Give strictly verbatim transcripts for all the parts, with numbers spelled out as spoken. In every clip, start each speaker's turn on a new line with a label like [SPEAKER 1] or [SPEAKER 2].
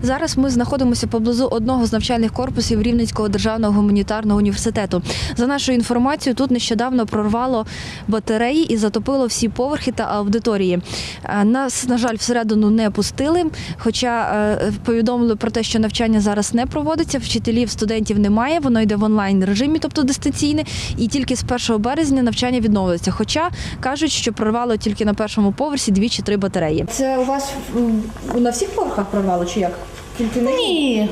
[SPEAKER 1] Зараз ми знаходимося поблизу одного з навчальних корпусів Рівненського державного гуманітарного університету. За нашою інформацією, тут нещодавно прорвало батареї і затопило всі поверхи та аудиторії. Нас, на жаль, всередину не пустили, хоча повідомили про те, що навчання зараз не проводиться, вчителів, студентів немає, воно йде в онлайн-режимі, тобто дистанційне, і тільки з першого березня навчання відновиться. Хоча кажуть, що прорвало тільки на першому поверсі дві чи три батареї. Це у вас на всіх поверхах прорвало чи як? Тільки на...
[SPEAKER 2] Ні.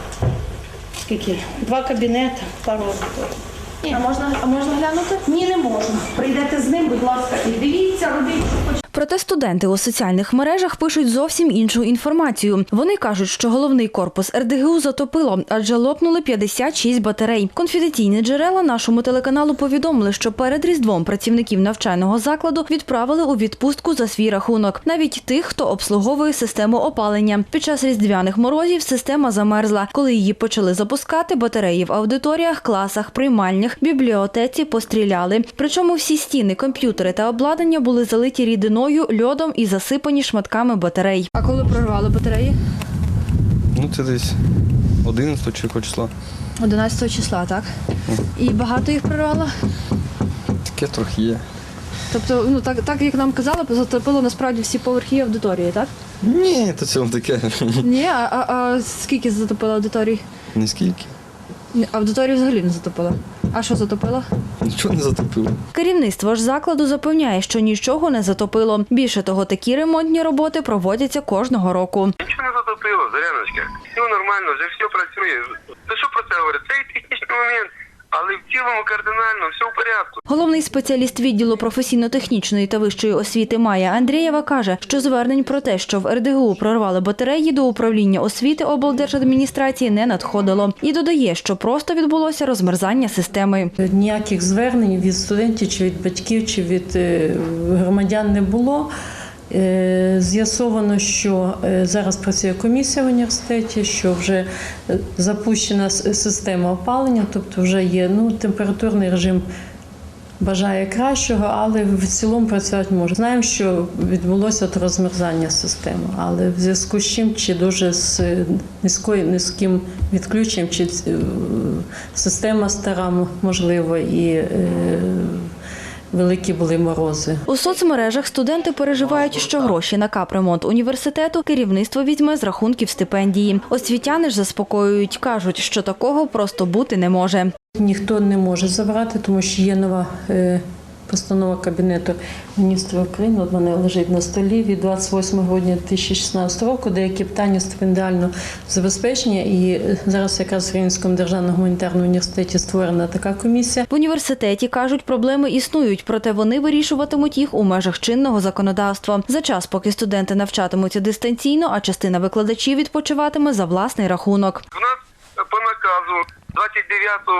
[SPEAKER 2] Скільки? Два кабінети, пару аудиторій.
[SPEAKER 1] А можна, а можна глянути?
[SPEAKER 2] Ні, не можна. Прийдете з ним, будь ласка, і дивіться, робіть, що хочете.
[SPEAKER 1] Проте студенти у соціальних мережах пишуть зовсім іншу інформацію. Вони кажуть, що головний корпус ер де ге у затопило, адже лопнули п'ятдесят шість батарей. Конфіденційні джерела нашому телеканалу повідомили, що перед Різдвом працівників навчального закладу відправили у відпустку за свій рахунок. Навіть тих, хто обслуговує систему опалення. Під час різдвяних морозів система замерзла. Коли її почали запускати, батареї в аудиторіях, класах, приймальнях, бібліотеці постріляли. Причому всі стіни, комп'ютери та обладнання були залиті рідиною, льодом і засипані шматками батарей. А коли прорвали батареї?
[SPEAKER 3] Ну, це десь одинадцятого числа.
[SPEAKER 1] одинадцятого числа, так? І багато їх прорвало?
[SPEAKER 3] Таке трохи є.
[SPEAKER 1] Тобто, ну так, так як нам казали, затопило насправді всі поверхи аудиторії, так?
[SPEAKER 3] Ні, то це вам таке.
[SPEAKER 1] Ні, а, а, а скільки затопило аудиторій?
[SPEAKER 3] Не скільки.
[SPEAKER 1] Аудиторію взагалі не затопило. А що затопило?
[SPEAKER 3] Нічого не затопило.
[SPEAKER 1] Керівництво ж закладу запевняє, що нічого не затопило. Більше того, такі ремонтні роботи проводяться кожного року.
[SPEAKER 4] Нічого не затопило, Зоряночка. Все нормально, вже все працює. Ти що про це говорить? Це і технічний момент, але в цілому кардинально все в порядку.
[SPEAKER 1] Головний спеціаліст відділу професійно-технічної та вищої освіти Майя Андрієва каже, що звернень про те, що в ер де ге у прорвали батареї, до управління освіти облдержадміністрації не надходило. І додає, що просто відбулося розмерзання системи.
[SPEAKER 2] Ніяких звернень від студентів, чи від батьків, чи від громадян не було. З'ясовано, що зараз працює комісія в університеті, що вже запущена система опалення, тобто вже є ну, температурний режим бажає кращого, але в цілому працювати може. Знаємо, що відбулося от розмерзання системи, але в зв'язку з чим, чи дуже з низькою, низьким відключенням, чи система стара, можливо, і великі були морози.
[SPEAKER 1] У соцмережах студенти переживають, що гроші на капремонт університету керівництво візьме з рахунків стипендії. Освітяни ж заспокоюють, кажуть, що такого просто бути не може.
[SPEAKER 2] Ніхто не може забрати, тому що є нова е, постанова Кабінету міністрів України, от вона лежить на столі від двадцять восьмого грудня дві тисячі шістнадцятого року, деякі питання стипендіального забезпечення. І зараз якраз в Рівненському державному гуманітарному університеті створена така комісія.
[SPEAKER 1] В університеті, кажуть, проблеми існують, проте вони вирішуватимуть їх у межах чинного законодавства. За час, поки студенти навчатимуться дистанційно, а частина викладачів відпочиватиме за власний рахунок.
[SPEAKER 4] У нас по наказу двадцять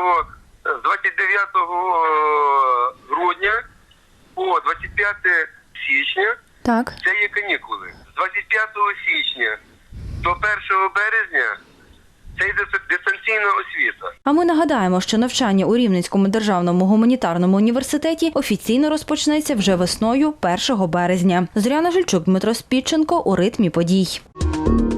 [SPEAKER 4] дев'ятого грудня по двадцять п'яте січня
[SPEAKER 1] Так.
[SPEAKER 4] це є канікули. З двадцять п'ятого січня до першого березня це йде дистанційна освіта.
[SPEAKER 1] А ми нагадаємо, що навчання у Рівненському державному гуманітарному університеті офіційно розпочнеться вже весною першого березня. Зоряна Жильчук, Дмитро Спідченко у ритмі подій.